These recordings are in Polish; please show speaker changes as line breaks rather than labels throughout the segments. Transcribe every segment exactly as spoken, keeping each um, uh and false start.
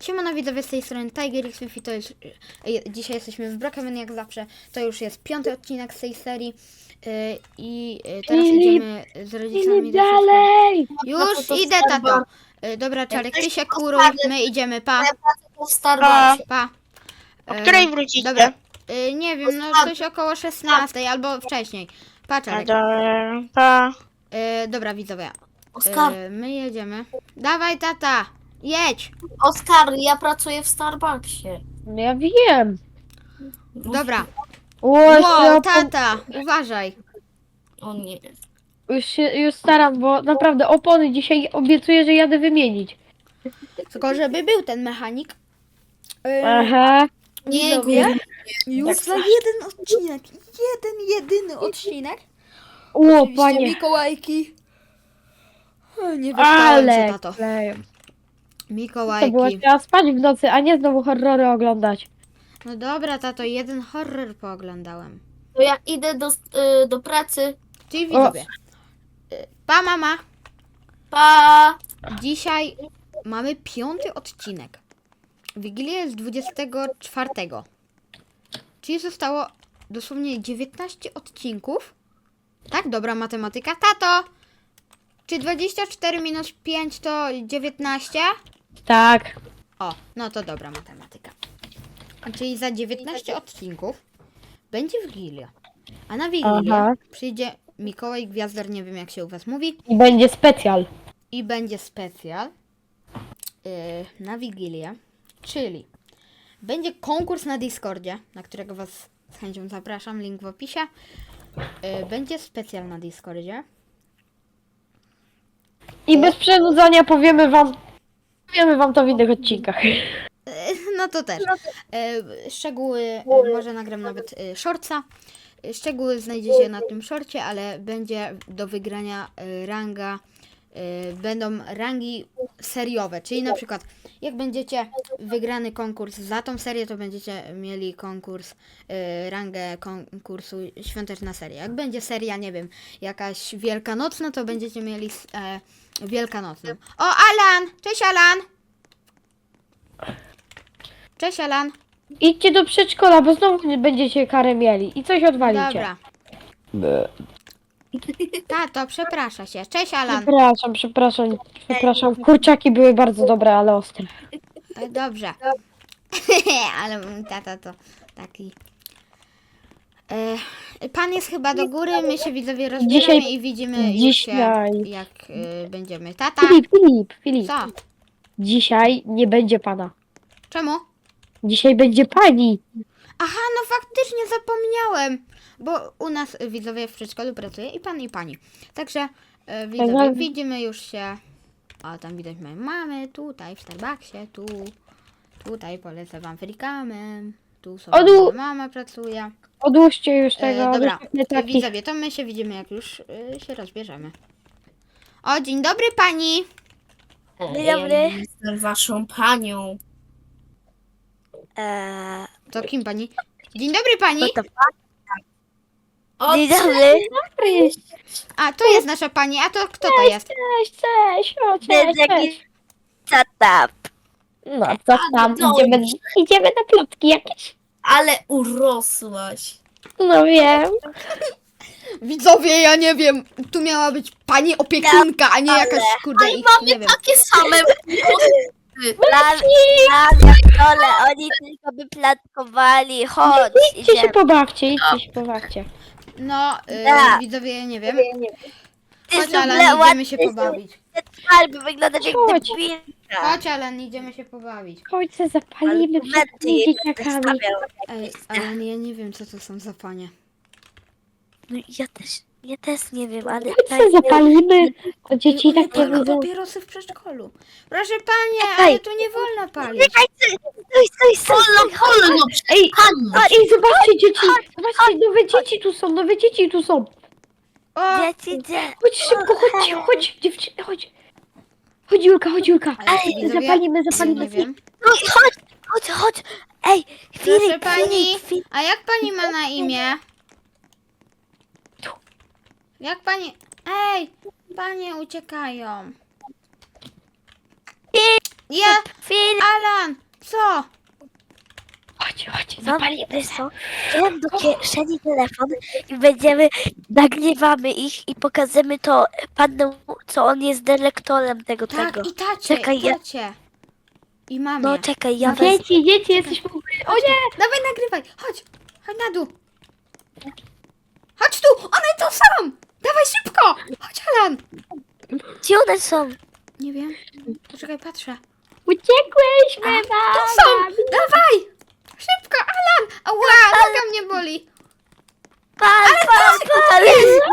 Siemano widzowie, z tej strony TigerX Wi-Fi, to jest, e, dzisiaj jesteśmy w Brookhaven jak zawsze, to już jest piąty odcinek z tej serii e, i e, teraz
Filip,
idziemy z rodzicami
Filip,
do wszystko.
dalej!
Już
to
idę,
Starbucks.
tato. E, dobra, Czarek, ty
Jesteś
się
po
kuruj,
Starbucks.
my idziemy, pa,
Ja pracę po Starbucksie.
pa.
O
E,
której wrócicie?
Dobra, e, nie wiem, no coś około szesnastej albo wcześniej. Pa, Czarek.
Dobra, pa.
E, dobra, widzowie,
Oskar,
e, my jedziemy. Dawaj, tata, jedź.
Oskar, ja pracuję w Starbucksie.
No ja wiem.
Dobra.
Ło,
Wow,
ja
tata, uważaj.
O nie.
już się już staram, bo naprawdę opony dzisiaj obiecuję, że jadę wymienić.
Tylko żeby był ten mechanik. Yy,
Aha.
Nie,
Widzowie,
górny.
już za jeden odcinek. Jeden, jedyny odcinek.
O,
Oczywiście
panie.
Mikołajki. O, nie wyspałem się,
Ale
tato.
kleją. To było,
Mikołajki.
trzeba spać w nocy, a nie znowu horrory oglądać.
No dobra, tato, jeden horror pooglądałem.
To ja idę do, y, do pracy.
Czyli widzowie. Yy, Pa, mama.
Pa!
Dzisiaj mamy piąty odcinek. Wigilia jest dwudziestego czwartego. Czyli zostało dosłownie dziewiętnaście odcinków. Tak, dobra matematyka. Tato! Czy dwadzieścia cztery minus pięć to dziewiętnaście?
Tak.
O, no to dobra matematyka. Czyli za dziewiętnaście odcinków będzie Wigilia. A na Wigilię
Aha.
przyjdzie Mikołaj Gwiazdor, nie wiem jak się u was mówi.
I będzie specjal.
I będzie specjal yy, na Wigilię. Czyli będzie konkurs na Discordzie, na którego was z chęcią zapraszam, link w opisie. Yy, będzie specjal na Discordzie.
I bez przedłużania powiemy wam, powiemy wam to w innych odcinkach.
Yy, No to też. Yy, Szczegóły, yy, może nagram nawet yy, shortsa. Yy, Szczegóły znajdziecie na tym shorcie, ale będzie do wygrania yy, ranga. yy, Będą rangi seriowe, czyli na przykład jak będziecie wygrany konkurs za tą serię, to będziecie mieli konkurs, yy, rangę konkursu świąteczna seria. Jak będzie seria, nie wiem, jakaś wielkanocna, to będziecie mieli e, wielkanocną. O, Alan! Cześć, Alan! Cześć, Alan.
Idźcie do przedszkola, bo znowu będziecie karę mieli i coś odwalicie.
Dobra. Tato, przeprasza się. Cześć, Alan.
Przepraszam, przepraszam, przepraszam. Kurczaki były bardzo dobre, ale ostre.
E, Dobrze. Ale mój tata to taki... E, pan jest chyba do góry, my się widzowie rozbieramy
Dzisiaj-
i widzimy już się,
dzisiaj.
jak e, będziemy. Tata,
Filip, Filip, Filip.
co?
Dzisiaj nie będzie pana.
Czemu?
Dzisiaj będzie pani.
Aha, no faktycznie zapomniałem, bo u nas e, widzowie w przedszkolu pracuje i pan i pani. Także e, widzowie,
Tak.
widzimy już się. O, tam widać moje mamy, tutaj w Starbucksie, tu, tutaj polecę wam frikamem, tu sobie
Odu-
moja mama pracuje.
Odłóżcie już
E,
tego.
dobra,
odłóżcie
e,
taki.
widzowie, to my się widzimy, jak już e, się rozbierzemy. O, dzień dobry pani.
Dzień dobry. Ja jestem waszą panią.
Eee,
To kim pani? Dzień dobry pani.
no to
O,
dzień dobry.
A, to jest nasza pani, a to kto to jest?
Cześć, cześć, o,
To jest
cześć,
jakiś
cześć.
tata.
No, co tam?
no
Idziemy,
dobrze.
idziemy na plotki jakieś?
Ale urosłaś.
No wiem.
Widzowie, ja nie wiem, tu miała być pani opiekunka, a nie jakaś kurde ich, nie wiem.
Takie same
Plan, plan, jak dole, oni tylko by platkowali. Chodź,
Idźcie się
idziemy.
pobawcie, idźcie się pobawcie.
No, y,
Tak.
widzowie, ja nie wiem.
Ty
Chodź, Alan,
zuble
idziemy się
ładnie
pobawić.
albo wyglądasz jak
Chodź.
debilka.
Chodź, Alan, idziemy się pobawić.
Chodź se zapalimy przed
Argumenty
tymi
jej będę
dzieciakami.
stawiał.
Ej, Alan, ja nie wiem, co to są za panie.
No ja też, ja też nie wiem, ale...
Chodź se zapalimy. To dzieci
One
tak nie
palą
widzą.
papierosy w przedszkolu. Proszę panie,
Ej.
ale tu nie wolno palić.
Czekaj, stój, stój, stój, stój.
wolno,
Ej,
pani.
a, ej, zobaczcie dzieci. Zobaczcie, nowe dzieci tu są, nowe dzieci tu są.
O,
Dzieci, dzieci.
Chodź szybko, chodźcie, chodź, dziewczyny, chodź. Chodź Julka, chodź Julka.
ale widzowie,
Zapalimy,
ja
zapalimy.
nie wiem.
No i chodź, chodź, chodź. Ej,
Proszę
Filip,
pani,
Filip, Filip.
a jak pani ma na imię? Jak pani... Ej, panie uciekają. Ja,
Filip,
Alan, co?
Chodź, chodź,
no,
zapalimy.
wiesz co? Wziąłem do kieszeni telefon i będziemy, nagrywamy ich i pokażemy to panu, co on jest dyrektorem tego,
Tak,
tego.
i tacie,
Czekaj,
i
ja-
tacie. I mamie.
No czekaj, ja wezmę.
Dzieci, dzieci, jesteśmy... O nie!
Dawaj, nagrywaj, chodź, chodź na dół. Chodź tu, one tu są. Dawaj szybko, chodź Alan.
Gdzie one są?
Nie wiem, poczekaj, patrzę.
Uciekłyśmy,
Tu
mama!
są, dawaj. Szybko, Alan. Ała, noga mnie boli.
Pal, pal, pal!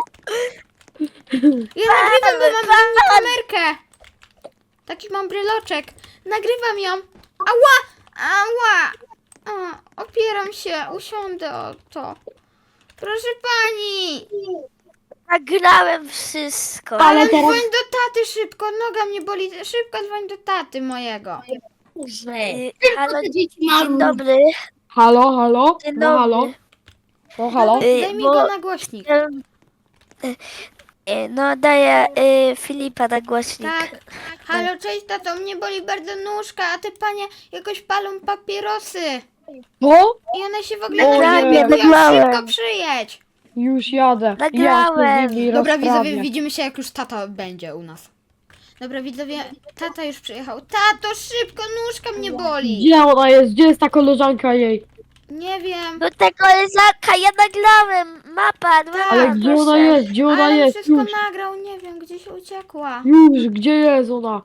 Ja nagrywam, bo mam mini kamerkę. Taki mam bryloczek. Nagrywam ją. Ała! Ała! A, opieram się, usiądę o to. Proszę pani!
Nagrałem wszystko.
Ale
Ale
teraz-
dzwoń do taty szybko, noga mnie boli. Szybko dzwoń do taty mojego.
Y, Halo,
dzieci
dzień dobry.
Halo, halo?
Dzień
No halo?
dobry.
No halo?
Daj,
Y,
daj mi
bo-
go na głośnik.
Em, y, y, No daję y, Filipa na głośnik.
Tak. Halo, cześć tato, mnie boli bardzo nóżka, a te panie jakoś palą papierosy.
O?
I one się w ogóle
O
nie
nie.
lubią.
Nagrałem.
Szybko przyjedź.
Już jadę.
Nagrałem.
Ja się z nimi
Dobra
rozprawię.
widzowie, widzimy się jak już tata będzie u nas. Dobra widzowie, tata już przyjechał. Tato, szybko, nóżka mnie boli.
Gdzie ona jest? Gdzie jest ta koleżanka jej?
Nie wiem.
Do tego lezaka, ja nagrałem. Ma pan, ma
Ale
pan,
gdzie ona
proszę.
jest? Gdzie ona
Ale
jest?
wszystko
Już,
nagrał, nie wiem, gdzieś uciekła.
już, gdzie jest ona?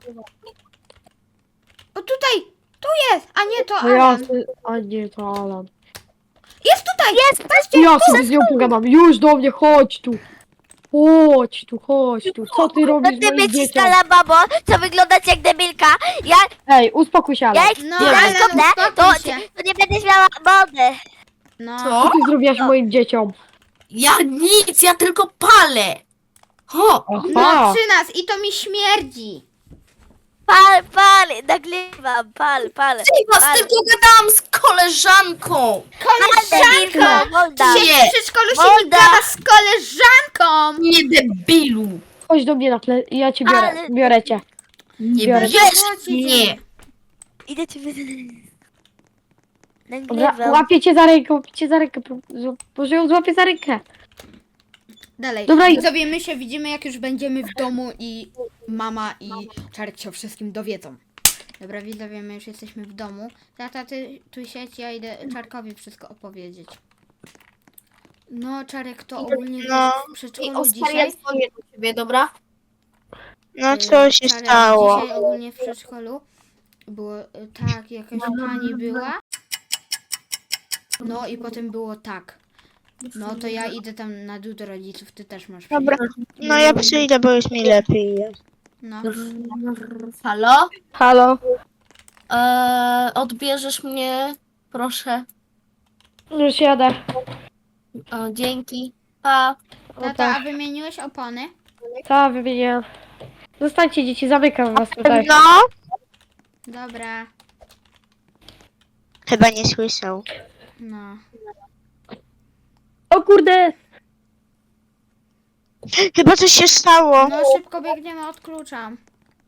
O tutaj, tu jest, a nie to
No ja,
Alan.
sy- a nie, to Alan.
Jest tutaj, jest, patrzcie.
Ja sobie z nią pogadam. Już do mnie, chodź tu. Chodź tu, chodź tu. Co ty
No
robisz
ty
moim
być
dzieciom?
stara babo, co wyglądać jak debilka. Ja,
Ej, uspokój się, Alan.
ja jak
No,
no,
ale
skopnę, to,
uspokój się.
to nie będziesz miała mody.
No,
Co
Co?
ty zrobiłaś moim dzieciom?
Ja nic, ja tylko palę. Ho!
no
Aha.
przy nas i to mi śmierdzi.
Pal, pal, nagrywam, pal, pal.
Ty was
pal.
tylko gadałam z koleżanką.
Koleżanko!
Molda.
Dzisiaj
Nie.
w przedszkolu się
Molda.
nie gada z koleżanką.
Nie debilu.
Chodź do mnie na ple... Ja cię biorę,
Ale-
biorę cię.
Nie
Biorę.
bierz mnie.
Idę ci wy...
Dobra,
Nagrywam.
łapię cię za rękę, łapię cię za rękę. Może ją złapię za rękę.
Dalej.
Dobra, i-
Widzowie, my się widzimy jak już będziemy w domu i mama i Czarek się o wszystkim dowiedzą. Dobra, widzowie, my już jesteśmy w domu. Tata, ty tu siedź, ja idę Czarkowi wszystko opowiedzieć. No, Czarek to ogólnie
No.
w
I
przedszkolu
Oskar, ja
dzisiaj.
dzwonię do ciebie, dobra?
No
y,
co się
Czarek,
stało?
Dzisiaj ogólnie w przedszkolu było y, tak, jakaś pani była. No i potem było tak. No to ja idę tam na dół do rodziców, ty też masz przyjść.
Dobra, no ja przyjdę, bo już mi lepiej jest.
No.
Halo?
Halo?
Eee, odbierzesz mnie, proszę.
Już jadę.
O, dzięki. Pa.
Tata, a wymieniłeś opony?
Ta, wymienię. Zostańcie dzieci, zamykam was tutaj.
No,
Dobra,
chyba nie słyszał.
no.
O kurde!
Chyba coś się stało.
No szybko biegniemy, odkluczam.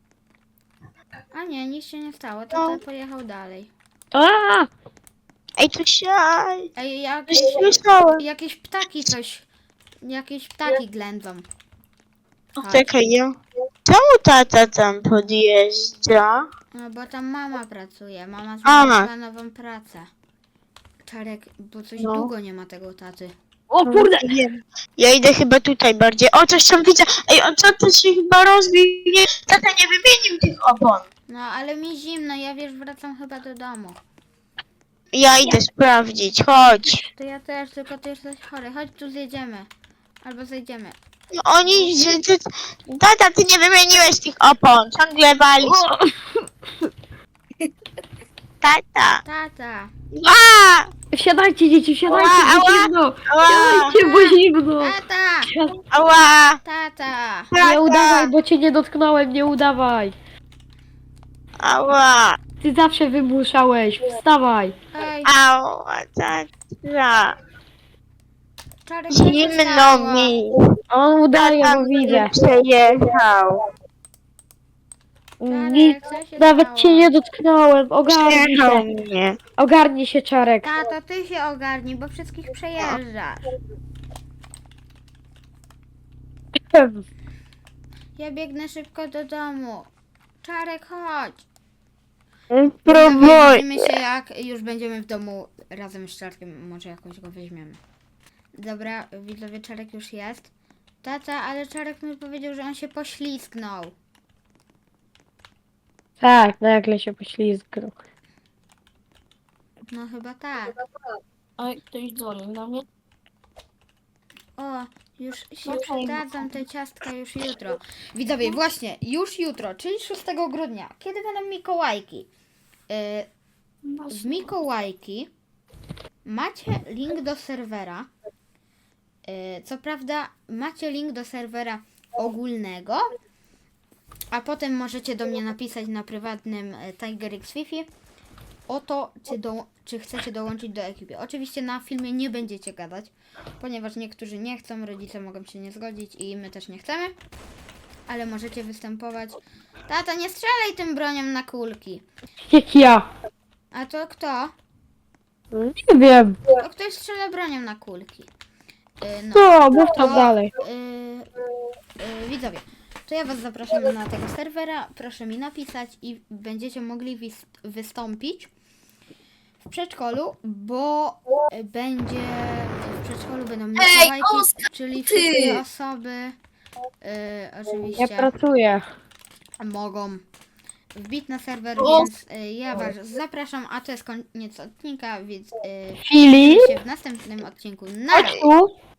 A nie, nic się nie stało, tata
No.
pojechał dalej.
A!
Ej, coś się...
Ej,
Coś
jakieś,
się stało.
jakieś ptaki coś, jakieś ptaki ględzą. Chodź.
Czekaj, ja... Czemu tata tam podjeżdża?
No bo tam mama pracuje, mama
Aha.
znalazła nową pracę. Czarek, bo coś
No.
długo nie ma tego taty.
O kurde!
Nie wiem. Ja idę chyba tutaj bardziej. O, coś tam widzę. Ej, on co to się chyba rozbił? Nie, tata nie wymienił tych opon.
No ale mi zimno, ja wiesz, wracam chyba do domu.
Ja idę sprawdzić, chodź.
To ja też, tylko ty jesteś chory, chodź tu zjedziemy. Albo zejdziemy.
No oni... Że, ty, tata, ty nie wymieniłeś tych opon. Ciągle walisz. Tata.
Tata.
A!
Wsiadajcie dzieci, wsiadajcie,
Ała,
bo
ała.
zimno!
Ała!
Wsiadajcie, bo zimno!
Tata!
Wsiad-
Ała!
Tata!
Nie udawaj, bo cię nie dotknąłem, nie udawaj!
Ała!
Ty zawsze wymuszałeś, wstawaj!
Ej,
Ała, tata.
Czarek, co się
Zimno
stało?
mi.
On udaje,
Tata
bo widzę.
mnie przejechał.
Nic,
Czarek, co się
nawet
stało?
cię nie dotknąłem. Ogarnij
Przejechał
się.
mnie.
Ogarnij się, Czarek.
Tato, ty się ogarnij, bo wszystkich przejeżdżasz. Ja biegnę szybko do domu. Czarek, chodź. Widzowie,
Próbuj.
widzimy się jak już będziemy w domu razem z Czarkiem. Może jakoś go weźmiemy. Dobra, widzowie, Czarek już jest. Tata, ale Czarek mi powiedział, że on się poślizgnął.
Tak, nagle się poślizgnął.
No chyba tak.
Oj, ktoś dzwoni do mnie.
O, już się
Okej.
przydadzą te ciastka już jutro. Widzowie, właśnie, już jutro, czyli szóstego grudnia. Kiedy będą Mikołajki? Yy, w Mikołajki macie link do serwera. Yy, co prawda macie link do serwera ogólnego, a potem możecie do mnie napisać na prywatnym e, TigerX Wi-Fi o to, czy, do, czy chcecie dołączyć do ekipy. Oczywiście na filmie nie będziecie gadać, ponieważ niektórzy nie chcą, rodzice mogą się nie zgodzić i my też nie chcemy, ale możecie występować. Tata, nie strzelaj tym bronią na kulki.
Jak ja.
A to kto?
Nie wiem.
To ktoś strzela bronią na kulki. Yy, no.
Co, mów tam
To,
dalej.
Yy, yy, widzowie, to ja was zapraszam na tego serwera. Proszę mi napisać i będziecie mogli wys- wystąpić w przedszkolu, bo y, będzie w przedszkolu będą Mikołajki,
Oskar,
czyli
ty!
wszystkie osoby yy,
Ja
oczywiście
pracuję.
mogą wbić na serwer,
O!
więc y, ja was zapraszam, a to jest koniec odcinka, więc yy,
Filip,
widzimy się w następnym odcinku. Na
chodź tu.